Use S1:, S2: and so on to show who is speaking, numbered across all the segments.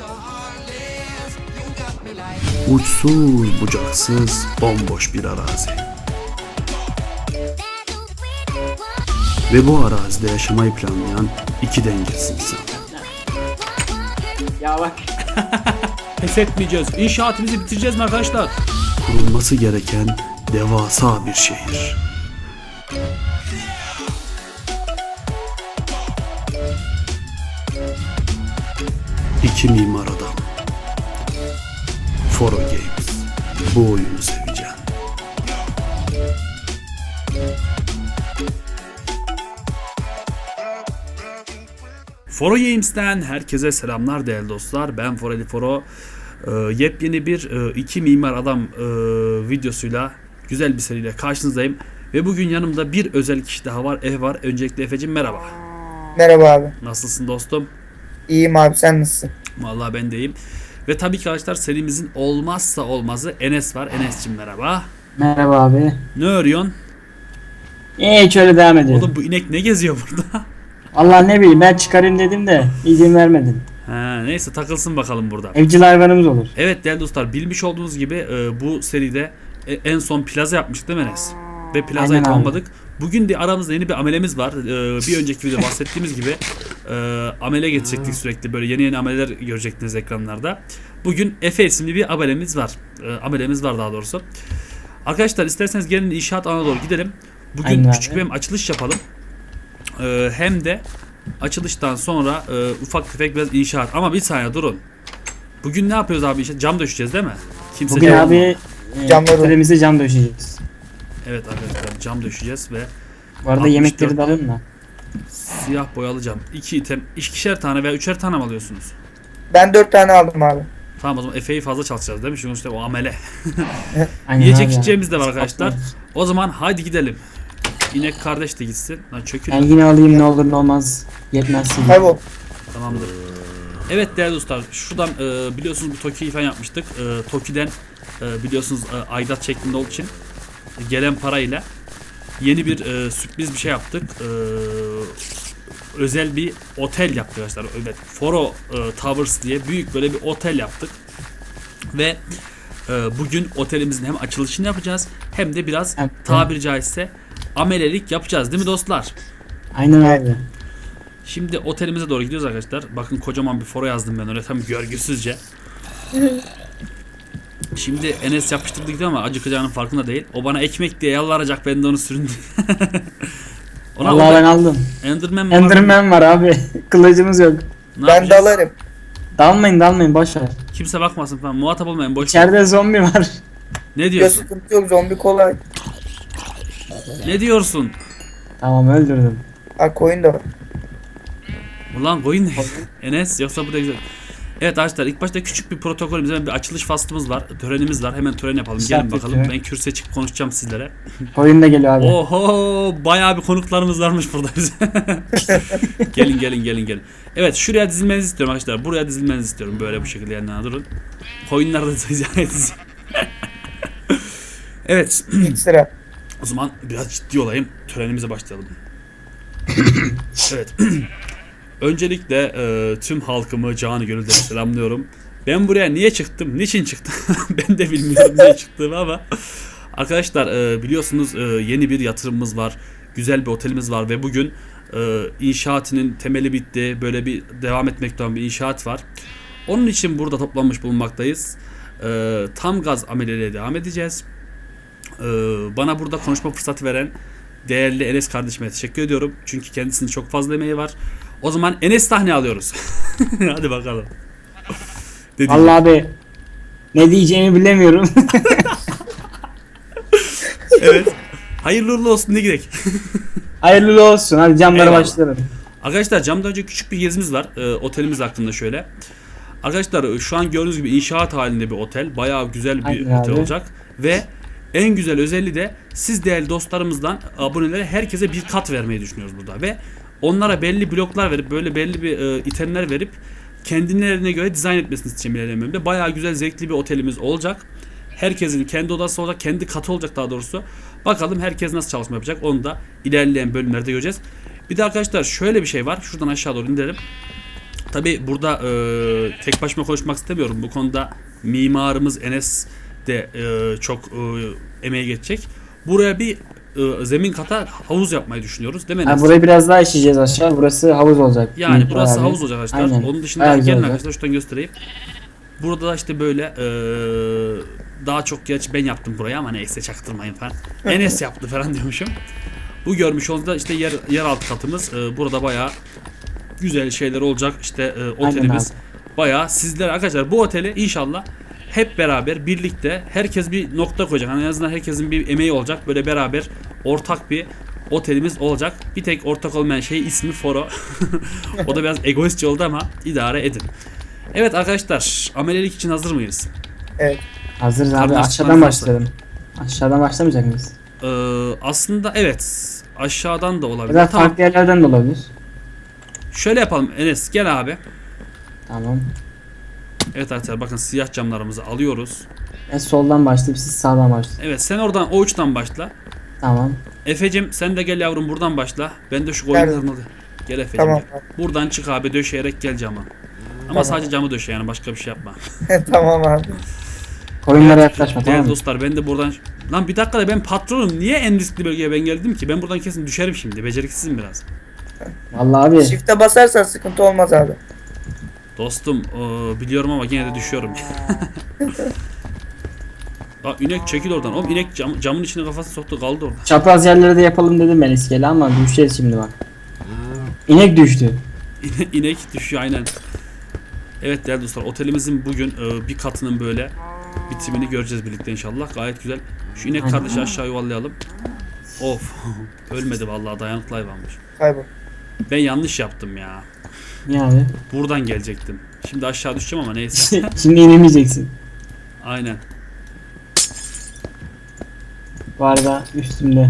S1: Uçsuz bucaksız bomboş bir arazi. Ve bu arazide yaşamayı planlayan iki dengesiz insan.
S2: Ya bak.
S3: Pes etmeyeceğiz. İnşaatımızı bitireceğiz mi arkadaşlar?
S1: Kurulması gereken devasa bir şehir. İki mimar adam. Foro Games. Bu oyunu seveceğim. Foro Games'ten herkese selamlar değerli dostlar. Ben Foreli Foro. Yepyeni bir iki mimar adam videosuyla güzel bir seriyle karşınızdayım. Ve bugün yanımda bir özel kişi daha var. Efe var. Öncelikle Efe'cim merhaba.
S4: Merhaba abi.
S1: Nasılsın dostum?
S4: İyiyim abi, sen nasılsın?
S1: Vallahi ben de iyiyim. Ve tabii ki arkadaşlar serimizin olmazsa olmazı Enes var. Enes'cim merhaba.
S2: Merhaba abi.
S1: Ne örüyorsun?
S2: Şöyle devam ediyorum.
S1: Oğlum bu inek ne geziyor burada?
S2: Allah ne bileyim, ben çıkarayım dedim de izin vermedin.
S1: Ha, neyse takılsın bakalım burada.
S2: Evcil hayvanımız olur.
S1: Evet değerli dostlar, bilmiş olduğunuz gibi bu seride en son plaza yapmıştık değil mi Enes? Ve plazayı
S2: Aynen abi.
S1: tamamladık. Bugün de aramızda yeni bir amelemiz var. Bir önceki videoda bahsettiğimiz gibi amele getirecektik sürekli. Böyle yeni ameleler görecektiniz ekranlarda. Bugün Efe isimli bir amelemiz var. Amelemiz var daha doğrusu. Arkadaşlar isterseniz gelin inşaat alanına doğru gidelim. Bugün
S2: Aynen
S1: küçük
S2: abi.
S1: bir açılış yapalım. Hem de açılıştan sonra ufak tefek biraz inşaat. Ama bir saniye durun. Bugün ne yapıyoruz abi? Cam döşeceğiz değil mi? Kimse
S2: Bugün
S1: cam-
S2: abi
S4: Camları-
S2: otelimize cam döşeyeceğiz.
S1: Evet arkadaşlar cam döşeceğiz ve
S2: Bu arada
S1: 64
S2: yemekleri de alın mı?
S1: siyah boyalı cam. 2 item, ikişer tane veya üçer tane mi alıyorsunuz?
S4: Ben 4 tane aldım abi.
S1: Tamam o zaman Efe'yi fazla çalışacağız değil mi? Çünkü işte o amele.
S2: Aynen
S1: Yiyecek
S2: abi ya.
S1: içeceğimiz de var arkadaşlar. O zaman haydi gidelim. İnek kardeş de gitsin. Lan çökün.
S2: Ben yine alayım, ne olur ne olmaz. Yetmezsin.
S4: Kaybol.
S1: Tamamdır. Evet değerli dostlar, şuradan biliyorsunuz bu Toki'yi falan yapmıştık. Toki'den biliyorsunuz aidat şeklinde olduğu için gelen parayla yeni bir sürpriz bir şey yaptık. Özel bir otel yaptık arkadaşlar. Evet, Foro Towers diye büyük böyle bir otel yaptık. Ve bugün otelimizin hem açılışını yapacağız hem de biraz
S2: Evet.
S1: tabiri caizse amelelik yapacağız değil mi dostlar?
S2: Aynen abi.
S1: Şimdi otelimize doğru gidiyoruz arkadaşlar. Bakın kocaman bir foro yazdım ben oraya tam görgüsüzce. Şimdi Enes yapıştırdı gidiyor ama acıkacağının farkında değil. O bana ekmek diye yalvaracak, ben de onu süründüm.
S2: Vallahi ben aldım.
S1: Enderman mi var?
S2: Enderman var abi. Kılıcımız yok.
S1: Ne
S4: Ben
S1: yapacağız?
S4: dalarım.
S2: Dalmayın boş ver.
S1: Kimse bakmasın falan. Muhatap olmayın, boş ver.
S2: İçeride zombi var.
S1: Ne
S4: Ya
S1: diyorsun?
S4: sıkıntı yok, zombi kolay.
S1: Ne diyorsun?
S2: Tamam, öldürdüm.
S4: Ha, koyun da var.
S1: Ulan koyun ne? Enes yoksa bu da güzel. Evet arkadaşlar, ilk başta küçük bir protokolümüz, hemen bir açılış faslımız var. Törenimiz var. Hemen tören yapalım. Gelin
S2: Şart
S1: bakalım.
S2: yapıyor.
S1: Ben kürsüye çıkıp konuşacağım sizlere.
S2: Oyun da geliyor abi.
S1: Oho, bayağı bir konuklarımız varmış burada bize. gelin. Evet, şuraya dizilmenizi istiyorum arkadaşlar. Buraya dizilmenizi istiyorum. Böyle bu şekilde yanına durun. Koyunlar da ziyaret. Evet.
S4: İlk sıra.
S1: O zaman biraz ciddi olayım. Törenimize başlayalım. Evet. Öncelikle tüm halkımı canı gönülden selamlıyorum. Ben buraya niye çıktım? Niçin çıktım? Ben de bilmiyorum niye çıktığımı ama arkadaşlar biliyorsunuz yeni bir yatırımımız var. Güzel bir otelimiz var ve bugün inşaatının temeli bitti. Böyle bir devam etmekte olan bir inşaat var. Onun için burada toplanmış bulunmaktayız. Tam gaz ameliyeye devam edeceğiz. Bana burada konuşma fırsatı veren değerli Enes kardeşime teşekkür ediyorum. Çünkü kendisinin çok fazla emeği var. O zaman Enes sahneye alıyoruz. Hadi bakalım.
S2: Vallahi abi ne diyeceğimi bilemiyorum.
S1: Evet. Hayırlı uğurlu olsun, ne gerek.
S2: Hayırlı olsun. Hadi camlara
S1: Eyvallah.
S2: başlayalım.
S1: Arkadaşlar camdan önce küçük bir gezimiz var. Otelimiz hakkında şöyle. Arkadaşlar şu an gördüğünüz gibi inşaat halinde bir otel. Bayağı güzel bir
S2: Aynen
S1: otel
S2: abi.
S1: olacak. Ve en güzel özelliği de siz değerli dostlarımızdan abonelere herkese bir kat vermeyi düşünüyoruz burada. Ve onlara belli bloklar verip böyle belli bir itemler verip kendilerine göre dizayn etmesini isteyeceğim ilerleyen bölümde. Bayağı güzel, zevkli bir otelimiz olacak. Herkesin kendi odası olacak, kendi katı olacak daha doğrusu. Bakalım herkes nasıl çalışma yapacak, onu da ilerleyen bölümlerde göreceğiz. Bir de arkadaşlar şöyle bir şey var. Şuradan aşağı doğru indirelim. Tabi burada tek başıma konuşmak istemiyorum. Bu konuda mimarımız Enes de çok emeği geçecek. Buraya bir zemin kata havuz yapmayı düşünüyoruz değil mi Enes?
S2: Burayı biraz daha işleyeceğiz aşağı. Burası havuz olacak.
S1: Yani
S2: Büyük
S1: burası
S2: abi.
S1: havuz olacak arkadaşlar.
S2: Aynen.
S1: Onun dışında
S2: Bayağı güzel
S1: gelin
S2: olacak.
S1: arkadaşlar şuradan göstereyim. Burada da işte böyle daha çok gerçi ben yaptım burayı ama neyse çaktırmayın falan. Enes yaptı falan diyormuşum. Bu görmüş olduğunuz da işte yeraltı katımız. Burada bayağı güzel şeyler olacak. İşte otelimiz bayağı sizler arkadaşlar bu oteli inşallah hep beraber birlikte herkes bir nokta koyacak. Yani en azından herkesin bir emeği olacak. Böyle beraber ortak bir otelimiz olacak. Bir tek ortak olmayan şey ismi Foro. O da biraz egoistçe oldu ama idare edin. Evet arkadaşlar, amelelik için hazır mıyız?
S4: Evet.
S2: Hazırız abi.
S1: Kardeşler
S2: Aşağıdan
S1: varsa.
S2: başlayalım. Aşağıdan başlamayacak mıyız?
S1: Aslında evet. Aşağıdan da
S2: Ya
S1: olabilir.
S2: da
S1: Tamam.
S2: farklı yerlerden de olabilir.
S1: Şöyle yapalım Enes gel abi.
S2: Tamam.
S1: Evet arkadaşlar bakın siyah camlarımızı alıyoruz.
S2: Ben soldan başlayıp siz sağdan başlayın.
S1: Evet sen oradan o uçtan başla.
S2: Tamam.
S1: Efecim sen de gel yavrum buradan başla. Ben de şu koyunlarını alayım. Gel Efecim
S4: Tamam.
S1: gel. Buradan çık abi döşeyerek gel cama. Ama
S4: Tamam.
S1: sadece camı döşe yani başka bir şey yapma.
S4: Tamam abi.
S2: Koyunlara yaklaşma, tamam
S1: Değerli
S2: mı?
S1: dostlar ben de buradan... Lan bir dakika da ben patronum. Niye en riskli bölgeye ben geldim ki? Ben buradan kesin düşerim şimdi. Beceriksizim biraz.
S2: Vallahi abi.
S4: Shift'e basarsan sıkıntı olmaz abi.
S1: Dostum biliyorum ama yine de düşüyorum. Bak inek çekil oradan. Oğlum inek camın içine kafasını soktu kaldı orada.
S2: Çapraz yerlere de yapalım dedim ben iskele ama düşeceğiz şimdi bak. İnek düştü.
S1: İnek düşüyor aynen. Evet değerli dostlar otelimizin bugün bir katının böyle bitimini göreceğiz birlikte inşallah. Gayet güzel. Şu inek
S2: Aynen.
S1: kardeşi aşağı yuvarlayalım. Of. Ölmedi vallahi dayanıklı hayvanmış.
S4: Kaybol.
S1: Ben yanlış yaptım ya.
S2: Yani.
S1: Buradan gelecektim. Şimdi aşağı düşeceğim ama neyse.
S2: Şimdi inemeyeceksin.
S1: Aynen.
S2: Bu arada üstümde.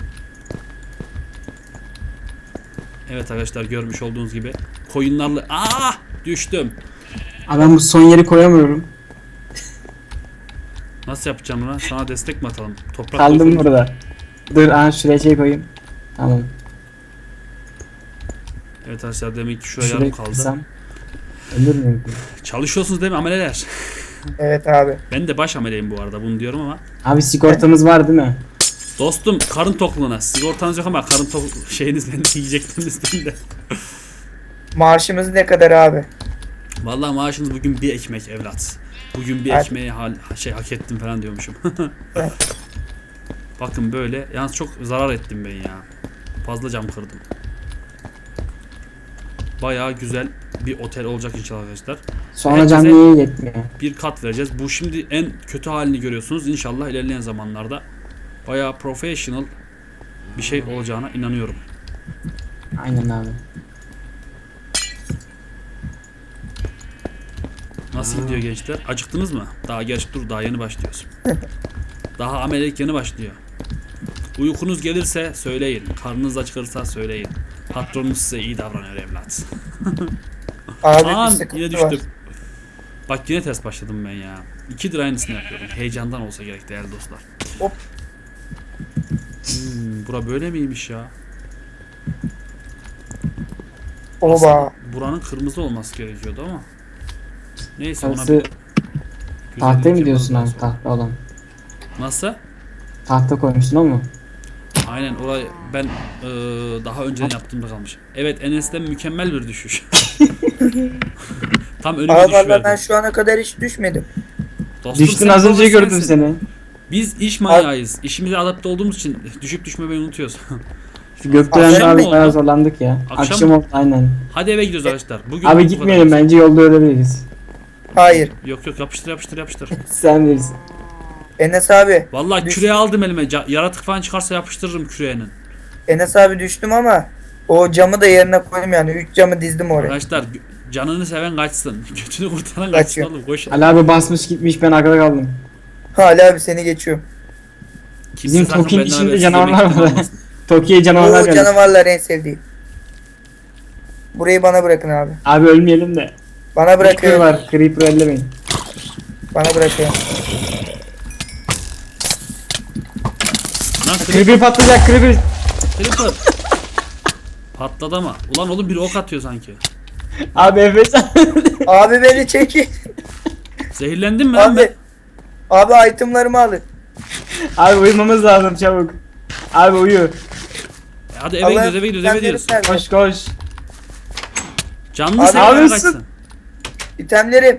S1: Evet arkadaşlar görmüş olduğunuz gibi koyunlarla düştüm.
S2: Adam bu son yeri koyamıyorum.
S1: Nasıl yapacağım bunu? Sana destek mi atalım? Toprak
S2: Kaldım
S1: koyun.
S2: burada. Dur şuraya şey koyayım. Tamam.
S1: Evet arkadaşlar demek ki şuraya
S2: Şuraya
S1: yarım kaldı.
S2: kırsam. Ölür müyüm?
S1: Çalışıyorsunuz değil mi ameleler?
S4: Evet abi.
S1: Ben de baş ameleyim bu arada bunu diyorum ama.
S2: Abi sigortamız var değil mi?
S1: Dostum karın tokluğuna. Sigortanız yok ama karın şeyiniz bende yiyecekleriniz bende.
S4: Maaşımız ne kadar abi?
S1: Vallahi maaşınız bugün bir ekmek evlat. Bugün bir
S4: Evet.
S1: ekmeği hak ettim falan diyormuşum.
S4: Evet.
S1: Bakın böyle. Yalnız çok zarar ettim ben ya. Fazla cam kırdım. Bayağı güzel bir otel olacak inşallah arkadaşlar.
S2: Sonra
S1: Herkese-
S2: canlıya yetmiyor.
S1: Bir kat vereceğiz. Bu şimdi en kötü halini görüyorsunuz. İnşallah ilerleyen zamanlarda bayağı professional bir şey olacağına inanıyorum.
S2: Aynen abi.
S1: Nasıl gidiyor gençler? Acıktınız mı? Daha gerçi dur daha yeni başlıyoruz. Daha amelelik yeni başlıyor. Uykunuz gelirse söyleyin. Karnınız acıkırsa söyleyin. Patronunuz size iyi davranıyor evlat.
S4: Abi
S1: Aman
S4: bir sıkıntı
S1: yine
S4: var.
S1: düştüm. Bak yine ters başladım ben ya. 2'dir aynısını yapıyorum. Heyecandan olsa gerek değerli dostlar.
S4: Hop.
S1: Bura böyle miymiş ya?
S4: Oba.
S1: Aslında buranın kırmızı olması gerekiyordu ama. Neyse ona
S2: Orası
S1: bir
S2: tahtaya
S1: güzellik
S2: mı diyorsun
S1: yaparız
S2: abi?
S1: daha sonra.
S2: Tahta olan.
S1: Nasıl?
S2: Tahta koymuşsun o mu?
S1: Aynen orayı ben daha önceden yaptığımda kalmış. Evet Enes'ten mükemmel bir düşüş. Tam önüme
S4: Abi valla
S1: düşüverdim.
S4: ben şu ana kadar hiç düşmedim.
S1: Dostum,
S2: Düştün
S1: sen
S2: az önce gördüm
S1: profesyonelsin.
S2: seni.
S1: Biz iş manyağıyız. İşimize adapte olduğumuz için düşüp düşmemeyi unutuyoruz.
S2: Şu gökdelen
S1: Akşam
S2: abi
S1: mı
S2: bayağı
S1: oldu?
S2: zorlandık ya.
S1: Akşam
S2: Akşam
S1: mı?
S2: oldu aynen.
S1: Hadi eve gidiyoruz arkadaşlar. Bugün
S2: Abi
S1: bu
S2: gitmeyelim
S1: kadar.
S2: bence yolda ölebiliriz.
S4: Hayır.
S1: Yok yok yapıştır yapıştır yapıştır.
S2: Sen bilirsin.
S4: Enes abi.
S1: Vallahi
S4: Düş-
S1: küreği aldım elime. Yaratık falan çıkarsa yapıştırırım küreğinin.
S4: Enes abi düştüm ama o camı da yerine koydum yani. 3 camı dizdim oraya.
S1: Arkadaşlar canını seven kaçsın. Götünü kurtaran kaçsın
S4: Kaçıyor.
S1: oğlum. Koş.
S2: Ali abi basmış gitmiş, ben arkada kaldım.
S4: Hala abi seni geçiyorum.
S1: Kimse
S2: Bizim
S1: sakın
S2: Toki'nin
S1: benden
S2: içinde
S1: habersiz
S2: canavarlar
S1: yemek
S2: var.
S1: almasın.
S2: Toki'ye canavarlar
S4: Oo
S2: geldi.
S4: canavarlar en sevdiğim. Burayı bana bırakın abi.
S2: Abi ölmeyelim de.
S4: Bana
S2: Creeper
S4: bırakıyorum.
S2: var. Creeper ellemeyin.
S4: Bana bırakıyorum.
S1: Lan
S2: Creeper patlayacak, Creeper.
S1: Creeper. Patladı ama. Ulan oğlum bir ok atıyor sanki.
S2: Abi Efes.
S4: Abi beni çekin.
S1: Zehirlendin mi lan
S4: Abi. Abi itemlarımı alın.
S2: Abi uyumamız lazım çabuk. Abi uyu.
S1: Hadi eve
S4: Allah'ım,
S1: gidiyoruz eve gidiyoruz eve
S4: itemlerim
S1: gidiyoruz.
S4: nerede?
S2: Koş koş.
S1: Canlı
S4: Abi,
S1: seven
S2: abi,
S1: kaçsın.
S4: İtemlerim.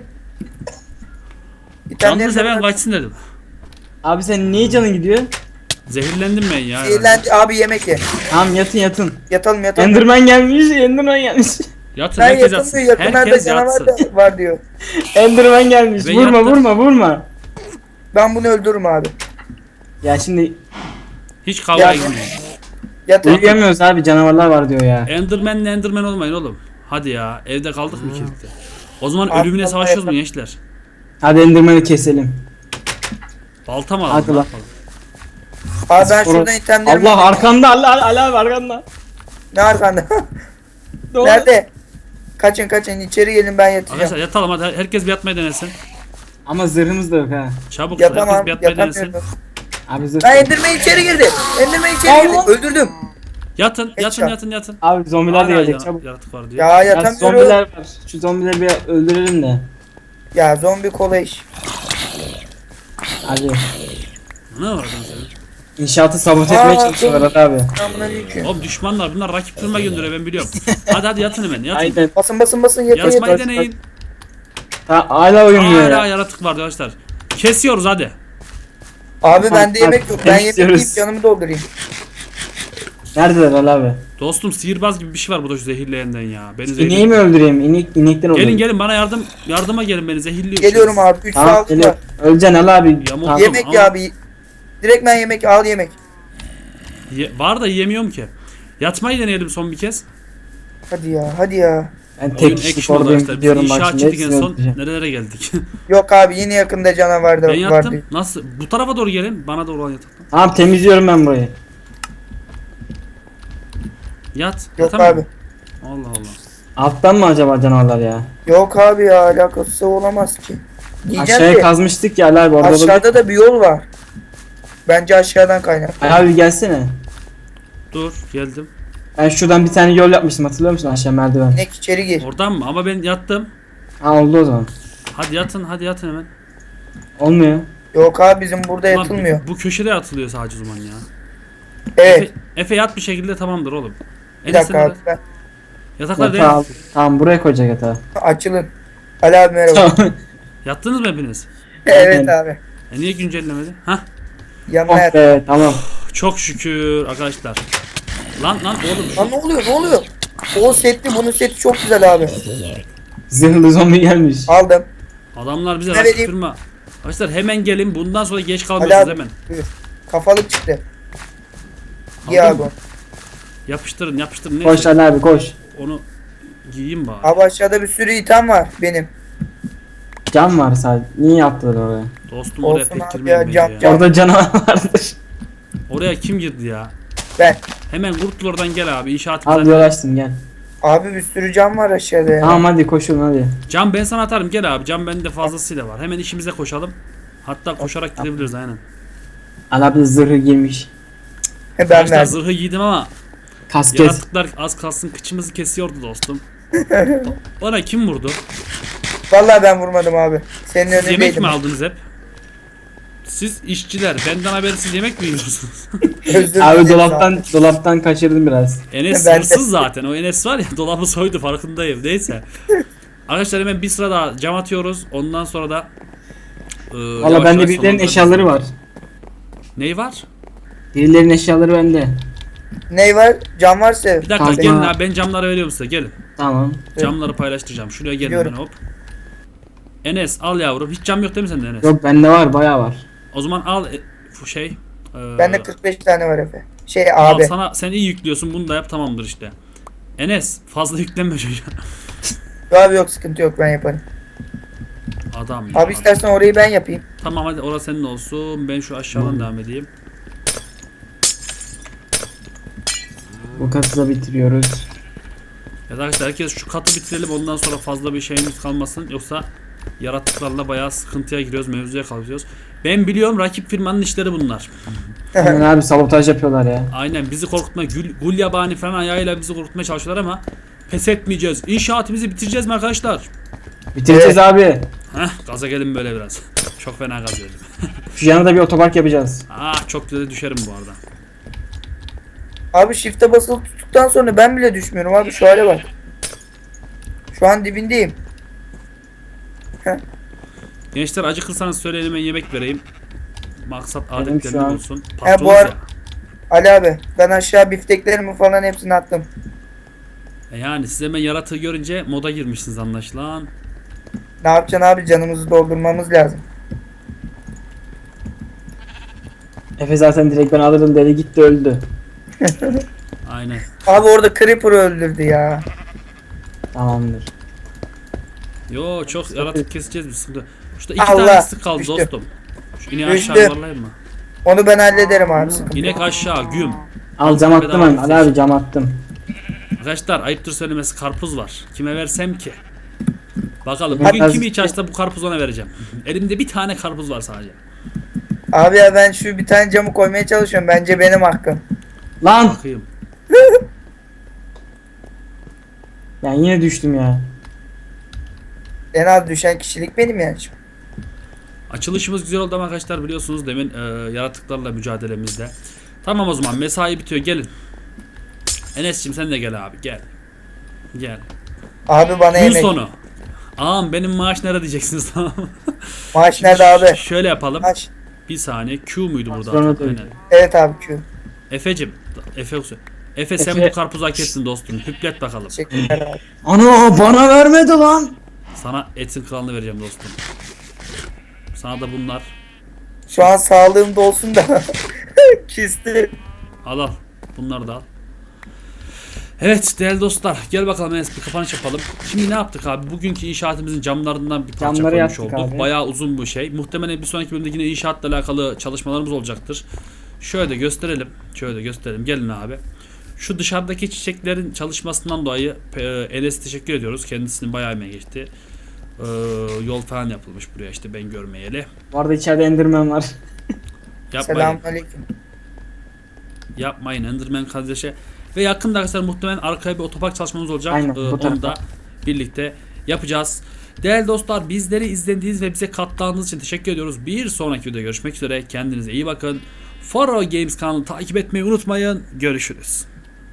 S1: Canlı seven kaçsın dedim.
S2: Abi sen niye canın gidiyor?
S1: Zehirlendim ben ya.
S4: Zehirlendi. Abi yemek ye.
S2: Tamam yatın yatın.
S4: Yatalım yatalım.
S2: Enderman gelmiş, Enderman gelmiş.
S1: Yatın
S4: Ben
S1: herkes
S4: yatalım
S1: yatsın.
S4: diyor. Yakınlarda
S1: Herkes
S4: canavar
S1: yatsın.
S4: da var diyor.
S2: Enderman gelmiş.
S1: Ben
S2: Vurma
S1: yattım.
S2: vurma vurma.
S4: Ben bunu öldürürüm abi.
S2: Ya şimdi
S1: Hiç kavga
S4: Ya-
S1: etmeyin.
S4: Yatalım.
S2: uyuyamıyoruz abi, canavarlar var diyor ya.
S1: Enderman olmayın oğlum. Hadi ya evde kaldık mı kirlikte? O zaman
S4: Abi,
S1: ölümüne
S4: vallahi
S1: savaşıyoruz mu
S4: yapalım.
S1: gençler?
S2: Hadi Enderman'ı keselim.
S1: Balta mı
S2: Hadi
S1: alalım? Ne
S2: lan.
S1: yapalım?
S4: Abi ben
S2: Sonra-
S4: şuradan itemlerimi
S2: Allah
S4: alayım.
S2: arkanda, Allah abi arkanda.
S4: Ne arkanda?
S2: Doğru.
S4: Nerede? Kaçın kaçın içeri gelin ben yatacağım.
S1: Arkadaşlar yatalım hadi herkes bir yatmayı denesin.
S2: Ama zırhımız da yok ha.
S1: Çabuk herkes
S4: Yapamam.
S1: bir yatmayı denesin.
S4: Yatamıyorum.
S2: Abi zırh.
S4: Ben Enderman içeri girdi. Enderman içeri girdi.
S2: Allah.
S4: Öldürdüm.
S1: Yatın
S4: Headshot.
S1: yatın.
S2: Abi zombiler de
S1: Hala
S2: gelecek çabuk.
S1: yaratık var diyor.
S4: Ya
S2: Ya
S4: yatamıyorum.
S2: zombiler var. Şu zombileri bir öldürelim de.
S4: Ya zombi kolay iş.
S2: Hadi.
S1: Ne var lan senin?
S2: İnşaatı sabote
S4: Aa,
S2: etmeye çalışıyorlar abi.
S4: Selamünaleyküm.
S1: Oğlum düşmanlar bunlar rakip firma gönderiyor ben biliyorum. Hadi yatın hemen yatın.
S2: Aynen.
S4: Basın yatın
S1: Yatmayı
S4: yatın.
S1: deneyin.
S2: Hala uyumuyor
S1: Hala
S2: ya.
S1: yaratık var arkadaşlar. Kesiyoruz hadi.
S4: Abi bende yemek yok. Ben yemek
S2: Temizliyoruz.
S4: yiyip canımı doldurayım.
S2: Neredeler Ali abi?
S1: Dostum sihirbaz gibi bir şey var burada şu zehirleyenden ya. Beni
S2: İneği
S1: zehirliyor.
S2: mi öldüreyim? İnekten öldüreyim.
S1: Gelin bana yardıma gelin beni zehirliyor.
S4: Geliyorum abi. 3
S2: Tamam
S4: sağlık
S2: geliyor.
S4: var.
S2: Öleceksin Ali abi.
S1: Yamuk.
S2: Tamam.
S4: Yemek
S1: ama-
S4: ya abi. Direkt ben yemek al yemek.
S1: Var da yiyemiyorum ki. Yatmayı deneyelim son bir kez.
S4: Hadi ya hadi ya.
S2: Ben
S1: Oyun
S2: tek kişilik
S1: action oldu
S2: oradayım
S1: arkadaşlar. Biz
S2: gidiyorum bak şimdi.
S1: inşaatçıydık en
S2: hepsini
S1: son.
S2: öldüreceğim.
S1: Nerelere geldik?
S4: Yok abi yine yakında canavar da
S1: Ben
S4: var
S1: yattım.
S4: diyor.
S1: Nasıl? Bu tarafa doğru gelin. Bana doğru olan yataktan.
S2: Tamam temizliyorum ben burayı.
S1: Yat.
S4: Yok
S1: Yatamam.
S4: abi.
S1: Allah Allah.
S2: Alttan mı acaba canavarlar ya?
S4: Yok abi ya alakası olamaz ki. Diyeceğim
S2: Aşağıya
S4: ki
S2: kazmıştık ya Ali abi orada
S4: aşağıda da bir yol var. Bence aşağıdan kaynak.
S2: Ali abi gelsene.
S1: Dur geldim.
S2: Ben şuradan bir tane yol yapmıştım, hatırlıyor musun, aşağı merdiven?
S4: İnek içeri gir.
S1: Oradan mı? Ama ben yattım.
S2: Ha oldu o zaman.
S1: Hadi yatın hemen.
S2: Olmuyor.
S4: Yok abi bizim burada
S1: Ulan
S4: yatılmıyor.
S1: bu köşede yatılıyor sadece o zaman ya.
S4: Evet.
S1: Efe yat bir şekilde tamamdır oğlum.
S4: Bir dakika abi.
S1: Yataklar değil.
S2: Yatağı al. Tamam buraya koyacak yatağı.
S4: Açılın. Ali abi merhaba.
S2: Tamam.
S1: Yattınız mı hepiniz?
S4: Evet abi.
S1: Niye güncellemedi? Hah.
S4: Yanına
S2: Oh
S4: yat.
S2: be tamam.
S1: Çok şükür arkadaşlar. Lan oğlum.
S4: Lan ne oluyor ne oluyor? O setli bunun seti çok güzel abi.
S2: Zırhlı zombi gelmiş.
S4: Aldım.
S1: Adamlar bize
S4: Ne
S1: rakip
S4: vereyim?
S1: firma. Arkadaşlar hemen gelin. Bundan sonra geç
S4: Ali
S1: kalmıyorsunuz
S4: abi.
S1: hemen.
S4: Buyur. Kafalık çıktı. Giy
S1: Aldın
S4: abi.
S1: mı? Yapıştırın.
S2: Koş
S1: Neyse.
S2: Ali abi koş.
S1: Onu giyeyim bari.
S4: Abi aşağıda bir sürü item var benim.
S2: Cam var sadece. Niye yaptılar oraya?
S1: Dostum oraya
S4: Olsun
S1: pek
S4: abi
S1: girmeyin
S4: ya,
S1: bence
S4: cam,
S1: ya.
S4: cam.
S2: Orada canavar vardır.
S1: Oraya kim girdi ya?
S4: Ben.
S1: Hemen kurtul oradan gel abi. İnşaatımıza.
S2: Abi yol açtım gel.
S4: Abi bir sürü cam var aşağıda ya.
S2: Tamam hadi koşun hadi.
S1: Cam ben sana atarım gel abi. Cam bende fazlasıyla var. Hemen işimize koşalım. Hatta koşarak gidebiliriz aynen.
S2: Ali abi de zırhı giymiş.
S4: Ben
S1: Arkadaşlar
S4: verdim.
S1: zırhı giydim ama
S2: Kasket.
S1: yaratıklar az kalsın kıçımızı kesiyordu dostum. Bana kim vurdu?
S4: Vallahi ben vurmadım abi. Senin
S1: Siz yemek
S4: önündeydim.
S1: mi aldınız hep? Siz işçiler benden habersiz yemek mi yiyorsunuz?
S4: Özür
S2: Abi
S4: dilerim
S2: dolaptan kaçırdım biraz.
S1: Enes
S4: Ben de.
S1: hırsız zaten. O Enes var ya dolabı soydu farkındayım. Neyse. Arkadaşlar hemen bir sıra daha cam atıyoruz. Ondan sonra da
S2: Valla bende birilerinin eşyaları var.
S1: Ney var?
S2: Birilerinin eşyaları bende.
S4: Ney var? Cam varsa.
S1: Bir dakika
S2: Tamam.
S1: gelin abi ben camları veriyorum size gelin.
S2: Tamam.
S1: Camları paylaştıracağım. Şuraya gelin
S4: Biliyorum.
S1: hemen hop. Enes al yavrum. Hiç cam yok değil mi sende Enes?
S2: Yok bende var bayağı var.
S1: O zaman al şey.
S4: Bende 45 tane var Efe. Şey
S1: al
S4: abi.
S1: sana sen iyi yüklüyorsun bunu da yap tamamdır işte. Enes fazla yüklenme çocuğa.
S4: Yok abi yok sıkıntı yok ben yaparım.
S1: Adam ya.
S4: Abi
S1: adam.
S4: istersen orayı ben yapayım.
S1: Tamam hadi orası senin olsun. Ben şu aşağıdan devam edeyim.
S2: Bu katı da bitiriyoruz.
S1: Ya arkadaşlar herkes şu katı bitirelim ondan sonra fazla bir şeyimiz kalmasın. Yoksa yaratıklarla bayağı sıkıntıya giriyoruz, mevzuya kalıyoruz. Ben biliyorum rakip firmanın işleri bunlar.
S2: Aynen abi sabotaj yapıyorlar ya.
S1: Aynen bizi korkutma, gul yabani falan ayağıyla bizi korkutmaya çalışıyorlar ama
S3: Pes etmeyeceğiz. İnşaatımızı bitireceğiz mi arkadaşlar?
S2: Bitireceğiz abi.
S1: Heh, gaza gelin böyle biraz. Çok fena gaz verdim.
S2: Şu yana da bir otopark yapacağız.
S1: Çok güzel düşerim bu arada.
S4: Abi shift'e basılı tuttuktan sonra ben bile düşmüyorum abi, şu hale bak. Şu an dibindeyim.
S1: Gençler acıkırsanız söyleyin, ben yemek vereyim. Maksat
S2: Benim
S1: adetlerinde
S2: şu an-
S1: olsun.
S4: bu
S1: Patronuz
S4: ar-
S1: ya.
S4: Ali abi ben aşağı bifteklerimi falan hepsini attım.
S1: Yani siz hemen yaratığı görünce moda girmişsiniz anlaşılan.
S4: Ne yapacaksın abi, canımızı doldurmamız lazım.
S2: Efe zaten direkt ben alırım dedi, gitti öldü.
S1: Aynen.
S4: Abi orada Creeper'ı öldürdü ya.
S2: Tamamdır.
S1: Yo çok yaratık keseceğiz biz. Şurada iki
S4: Allah,
S1: tanesi kaldı
S4: düştü.
S1: dostum. Şu ineği
S4: Düştü.
S1: aşağı yuvarlayayım mı?
S4: Onu ben hallederim abi, sıkıntı yok.
S1: İnek aşağı güm.
S2: Al cam attım ben. Ali abi cam attım.
S1: Arkadaşlar ayıptır söylemesi, karpuz var. Kime versem ki? Bakalım
S2: Hadi
S1: bugün
S2: az-
S1: kimi hiç açsa bu karpuzu ona vereceğim. Elimde bir tane karpuz var sadece.
S4: Abi ya ben şu bir tane camı koymaya çalışıyorum, bence benim hakkım.
S2: Lan!
S1: Bakayım.
S2: Yani yine düştüm ya.
S4: En az düşen kişilik benim yani.
S1: Açılışımız güzel oldu ama arkadaşlar biliyorsunuz demin yaratıklarla mücadelemizde. Tamam o zaman mesai bitiyor, gelin. Enes'cim sen de gel abi, gel. Gel.
S4: Abi bana
S1: Gün
S4: yemek.
S1: sonu. Ağam benim maaş nerede diyeceksiniz, tamam mı?
S4: Maaş nerede abi?
S1: Şöyle yapalım.
S4: Maaş.
S1: Bir saniye, Q muydu burada?
S2: Sonra
S1: Aynen.
S4: Evet abi, Q.
S1: Efe'cim. Efe sen
S2: Efe-
S1: bu karpuzu hak ettin dostum. Hüplet bakalım.
S4: Teşekkürler abi.
S2: Ana bana vermedi lan.
S1: Sana etin kralını vereceğim dostum. Sana da bunlar.
S4: Şu an sağlığımda olsun da. Kisti.
S1: Al. Bunları da al. Evet değerli dostlar, gel bakalım Enes, bir kapanış yapalım. Şimdi ne yaptık abi? Bugünkü inşaatımızın camlarından bir parça
S2: Camları
S1: koymuş
S2: yaptık
S1: olduk.
S2: abi.
S1: Bayağı uzun bir şey. Muhtemelen bir sonraki bölümde yine inşaatla alakalı çalışmalarımız olacaktır. Şöyle de gösterelim. Gelin abi. Şu dışarıdaki çiçeklerin çalışmasından dolayı Enes'e teşekkür ediyoruz. Kendisinin bayağı emeği geçti. Yol falan yapılmış buraya, işte ben görmeyeli.
S2: Bu arada içeride Enderman var.
S1: Yapmayın.
S4: Selamünaleyküm.
S1: Yapmayın Enderman kardeşe. Ve yakında arkadaşlar muhtemelen arkaya bir otopark çalışmamız olacak.
S2: Aynen, bu
S1: Onu
S2: tarafa.
S1: da birlikte yapacağız. Değerli dostlar, bizleri izlediğiniz ve bize kattığınız için teşekkür ediyoruz. Bir sonraki videoda görüşmek üzere. Kendinize iyi bakın. Faro Games kanalını takip etmeyi unutmayın. Görüşürüz.